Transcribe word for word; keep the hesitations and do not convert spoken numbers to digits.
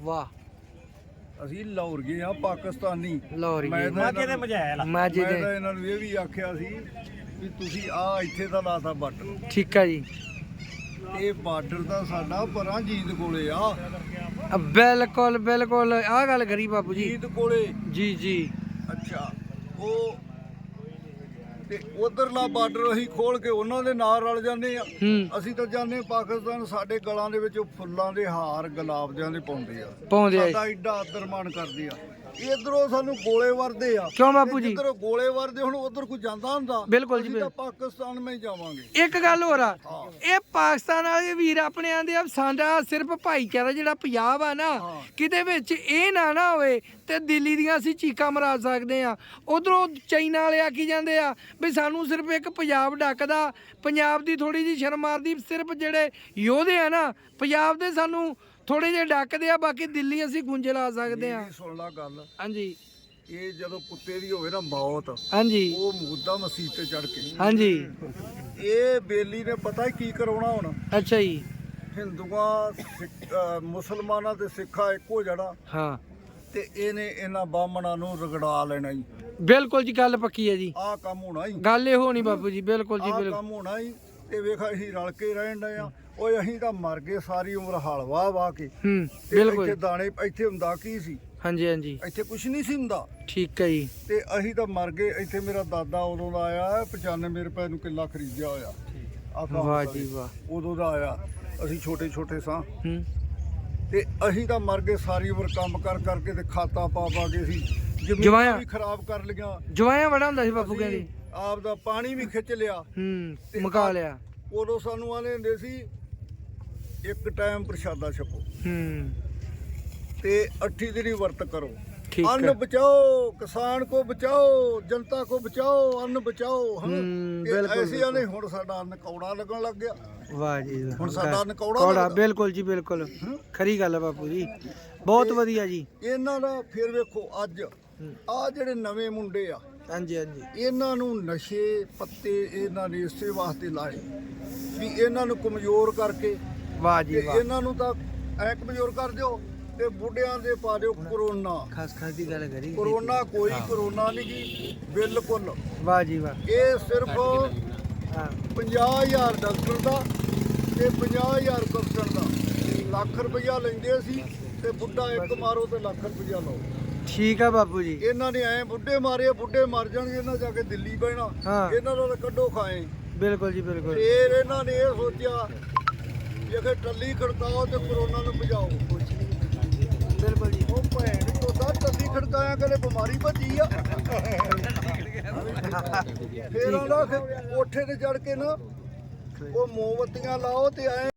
ਵਾਹ ਅਸੀਂ ਲਾਹੌਰ ਗਏ ਆ ਪਾਕਿਸਤਾਨੀ ਲਾਹੌਰ ਮੈਂ ਗਏ ਤਾਂ ਮਾਝੇ ਦੇ ਮਝੈਲ ਮਾਝੇ ਮੈਂ ਦੇ ਤਾਂ ਇਹਨਾਂ ਨੂੰ ਇਹ ਵੀ ਆਖਿਆ ਸੀ ਵੀ ਤੁਸੀਂ ਆ ਇੱਥੇ ਦਾ ਲਾਤਾ ਬਾਰਡਰ ਠੀਕ ਆ ਜੀ ਇਹ ਬਾਰਡਰ ਤਾਂ ਸਾਡਾ ਪਰਾਂ ਜੀਤ ਕੋਲੇ ਆ ਅ, ਬਿਲਕੁਲ ਬਿਲਕੁਲ ਆਹ ਗੱਲ ਕਰੀ ਬਾਪੂ ਜੀ ਜੀਤ ਕੋਲੇ ਜੀ ਜੀ ਅੱਛਾ ਉਹ ਤੇ ਉਧਰਲਾ ਬਾਰਡਰ ਅਸੀਂ ਖੋਲ ਕੇ ਉਹਨਾਂ ਦੇ ਨਾਲ ਰਲ ਜਾਂਦੇ ਆ ਹੂੰ ਅਸੀਂ ਤਾਂ ਜਾਂਦੇ ਪਾਕਿਸਤਾਨ ਸਾਡੇ ਗਲਾਂ ਦੇ ਵਿੱਚ ਫੁੱਲਾਂ ਦੇ ਹਾਰ ਗੁਲਾਬਿਆਂ ਦੇ ਪਾਉਂਦੇ ਆ ਪਾਉਂਦੇ ਆ ਸਾਡਾ ਏਡਾ ਆਦਰ ਮਾਣ ਕਰਦੇ ਆ ਇਧਰੋਂ ਸਾਨੂੰ ਗੋਲੇ ਵਰਦੇ ਆ ਕਿਉਂ ਬਾਪੂ ਜੀ ਜਿੱਧਰੋਂ ਗੋਲੇ ਵਰਦੇ ਹੁਣ ਉਧਰ ਕੋਈ ਜਾਂਦਾ ਹੁੰਦਾ ਬਿਲਕੁਲ ਜੀ, ਅਸੀਂ ਤਾਂ ਪਾਕਿਸਤਾਨ ਮੈਂ ਜਾਵਾਂਗੇ ਇੱਕ ਗੱਲ ਹੋਰ ਆ ਇਹ ਪਾਕਿਸਤਾਨ ਵਾਲੇ ਵੀਰ ਆਪਣੇ ਆਂਦੇ ਆ ਸਾਡਾ ਸਿਰਫ ਭਾਈਚਾਰਾ ਜਿਹੜਾ ਪੰਜਾਬ ਆ ਨਾ ਹਾਂ। ਕਿਤੇ ਵਿੱਚ ਇਹ ਨਾ ਨਾ ਹੋਵੇ ਤੇ ਦਿੱਲੀ ਦੀਆਂ ਅਸੀਂ ਚੀਕਾਂ ਮਰਾ ਸਕਦੇ ਆ ਉਧਰੋਂ ਚਾਈਨਾ ਵਾਲੇ ਆਖੀ ਜਾਂਦੇ ਆ ਵੀ ਸਾਨੂੰ ਸਿਰਫ ਇੱਕ ਪੰਜਾਬ ਡੱਕਦਾ ਪੰਜਾਬ ਦੀ ਥੋੜੀ ਜਿਹੀ ਸ਼ਰਮ ਮਾਰਦੀ ਸਿਰਫ ਜਿਹੜੇ ਯੋਧੇ ਆ ਨਾ ਪੰਜਾਬ ਦੇ ਸਾਨੂੰ ਥੋੜੇ ਜਿਹੇ ਡੱਕਦੇ ਆ ਬਾਕੀ ਦਿੱਲੀ ਅਸੀਂ ਗੁੰਜੇ ਲਾ ਸਕਦੇ ਆ ਮੇਰੀ ਸੁਣ ਲਾ ਗੱਲ ਹਾਂਜੀ ਇਹ ਜਦੋਂ ਕੁੱਤੇ ਦੀ ਹੋਵੇ ਨਾ ਮੌਤ ਹਾਂਜੀ ਉਹ ਮੁੱਦਾ ਮਸੀਤ ਤੇ ਚੜ ਕੇ ਹਾਂਜੀ ਇਹ ਬੇਲੀ ਨੇ ਪਤਾ ਕੀ ਕਰਾਉਣਾ ਹੁਣ ਅੱਛਾ ਜੀ ਹਿੰਦੂਆਂ ਸਿੱਖ- ਅਹ ਮੁਸਲਮਾਨਾਂ ਤੇ ਸਿੱਖਾਂ ਇੱਕੋ ਜੜਾ ਹਾਂ ਤੇ ਇਹਨੇ ਇਹਨਾਂ ਬਾਹਮਣਾਂ ਨੂੰ ਰਗੜਾ ਲੈਣਾ ਹੀ ਬਿਲਕੁਲ ਜੀ ਗੱਲ ਪੱਕੀ ਹੈ ਜੀ ਆਹ ਕੰਮ ਹੋਣਾ ਹੀ ਗੱਲ ਇਹੋ ਨਹੀਂ ਬਾਪੂ ਜੀ ਬਿਲਕੁਲ ਜੀ ਆਹ ਬਿਲਕੁਲ ਕੰਮ ਹੋਣਾ ਹੀ ਤੇ ਵੇਖ ਅਸੀਂ ਰਲ ਕੇ ਰਹਿਣ ਡਏ ਆ ਓਏ ਅਸੀਂ ਤਾਂ ਮਰ ਗਏ ਸਾਰੀ ਉਮਰ ਹਲ ਵਾਹ ਵਾਹ ਕੇ ਹੂੰ ਤੇ ਬਿਲਕੁਲ ਇੱਥੇ ਦਾਣੇ ਇੱਥੇ ਹੁੰਦਾ ਕੀ ਸੀ ਹਾਂਜੀ ਹਾਂਜੀ ਇੱਥੇ ਕੁਝ ਨਹੀਂ ਸੀ ਹੁੰਦਾ ਠੀਕ ਹੈ ਜੀ ਤੇ ਅਸੀਂ ਤਾਂ ਮਰ ਗਏ ਇੱਥੇ ਮੇਰਾ ਦਾਦਾ ਉਦੋਂ ਦਾ ਆਇਆ ਪਚਾਨਵੇਂ ਰੁਪਏ ਨੂੰ ਕਿੱਲਾ ਖਰੀਦਿਆ ਹੋਇਆ ਆਹ ਕੰਮ ਵਾਹ ਹੁੰਦਾ ਜੀ ਸੀ। ਵਾਹ ਉਦੋਂ ਦਾ ਆਇਆ ਅਸੀਂ ਛੋਟੇ ਛੋਟੇ ਸਾਂ ਹੂੰ ਤੇ ਅਸੀਂ ਤਾਂ ਮਰ ਗਏ ਸਾਰੀ ਉਮਰ ਕੰਮ ਕਰ ਕਰਕੇ ਤੇ ਖਾਤਾ ਪਾ ਪਾ ਕੇ ਸੀ ਜਮਾਇਆ। ਜ਼ਮੀਨਾਂ ਵੀ ਖਰਾਬ ਕਰ ਲਈਆਂ ਜਵਾਇਆ ਬੜਾ ਹੁੰਦਾ ਸੀ ਬਾਪੂ ਅਸੀਂ ਕਹਿੰਦੇ ਆਪ ਦਾ ਪਾਣੀ ਵੀ ਖਿੱਚ ਲਿਆ ਹੂੰ ਤੇ ਮੁਕਾ ਆ- ਲਿਆ ਉਦੋਂ ਸਾਨੂੰ ਆਲੇ ਹੁੰਦੇ ਸੀ ਇੱਕ ਟਾਈਮ ਪ੍ਰਸ਼ਾਦਾ ਛਕੋ ਹੂੰ ਤੇ ਅੱਠੀ ਦਿਨੀ ਵਰਤ ਕਰੋ ਠੀਕ ਅੰਨ ਹੈ ਬਚਾਓ ਕਿਸਾਨ ਕੋ ਬਚਾਓ ਜਨਤਾ ਕੋ ਬਚਾਓ ਅੰਨ ਬਚਾਓ ਹਨਾ ਹੂੰ, ਤੇ ਬਿਲਕੁਲ, ਐਸੇ ਆਨੇ ਹੁਣ ਸਾਡਾ ਅੰਨ ਕੌੜਾ ਲੱਗਣ ਲੱਗ ਗਿਆ ਵਾਹ ਜੀ ਵਾਹ। ਹੁਣ ਸਾਡਾ ਅੰਨ ਕੌੜਾ ਕੌੜਾ ਲੱਗਦਾ। ਬਿਲਕੁਲ ਜੀ ਬਿਲਕੁਲ ਖਰੀ ਗੱਲ ਹੈ ਬਾਪੂ ਜੀ ਬਹੁਤ ਵਧੀਆ ਜੀ ਇਹਨਾਂ ਦਾ ਫਿਰ ਵੇਖੋ ਅੱਜ ਆ ਜਿਹੜੇ ਨਵੇਂ ਮੁੰਡੇ ਆ ਹਾਂਜੀ ਹਾਂਜੀ ਇਹਨਾਂ ਨੂੰ ਨਸ਼ੇ ਪੱਤੇ ਇਹਨਾਂ ਨੇ ਇਸੇ ਵਾਸਤੇ ਲਾਏ ਵੀ ਇਹਨਾਂ ਨੂੰ ਕਮਜ਼ੋਰ ਕਰਕੇ ਵਾਹ ਤੇ ਜੀ ਵਾਹ ਇਹਨਾਂ ਨੂੰ ਤਾਂ ਐ ਕਮਜ਼ੋਰ ਕਰ ਦਿਓ ਤੇ ਬੁੱਢਿਆਂ ਦੇ ਪਾ ਦਿਓ ਕਰੋਨਾ ਖਾਸ ਖਾਸ ਦੀ ਗੱਲ ਕਰੀ ਕਰੋਨਾ ਕੋਈ ਕਰੋਨਾ ਨਹੀਂ ਜੀ ਬਿਲਕੁਲ ਵਾਹ ਜੀ ਵਾਹ ਇਹ ਸਿਰਫ ਹਾਂ ਪੰਜਾਹ ਹਜ਼ਾਰ ਡਾਕਟਰ ਦਾ ਤੇ ਪੰਜਾਹ ਹਜ਼ਾਰ ਕਪਟਨ ਦਾ ਲੱਖ ਰੁਪਈਆ ਲੈਂਦੇ ਸੀ ਤੇ ਬੁੱਢਾ ਇੱਕ ਮਾਰੋ ਤੇ ਲੱਖ ਰੁਪਈਆ ਲਾਓ ਠੀਕ ਆ ਬਾਪੂ ਜੀ ਇਹਨਾਂ ਨੇ ਐ ਬੁੱਢੇ ਮਾਰੇ ਬੁੱਢੇ ਮਰ ਜਾਣਗੇ ਇਹਨਾਂ ਜਾ ਕੇ ਦਿੱਲੀ ਬਹਿਣਾ ਹਾਂ। ਇਹਨਾਂ ਦਾ ਤਾਂ ਕੱਢੋ ਖਾਏ ਬਿਲਕੁਲ ਜੀ ਬਿਲਕੁਲ ਫੇਰ ਇਹਨਾਂ ਨੇ ਇਹ ਸੋਚਿਆ ਜੇ ਕਿ ਟੱਲੀ ਖੜਕਾਓ ਤੇ ਕਰੋਨਾ ਨੂੰ ਭਜਾਓ ਬਿਲਕੁਲ ਜੀ ਉਹ ਭੈਣ ਚੋਦਾ ਟੱਲੀ ਖੜਕਾਇਆ ਕਦੇ ਬਿਮਾਰੀ ਭੱਜੀ ਆ ਫੇਰ ਆਉਂਦਾ ਕੋਠੇ ਤੇ ਚੜ ਕੇ ਨਾ ਉਹ ਮੋਮਬੱਤੀਆਂ ਲਾਓ ਤੇ ਐ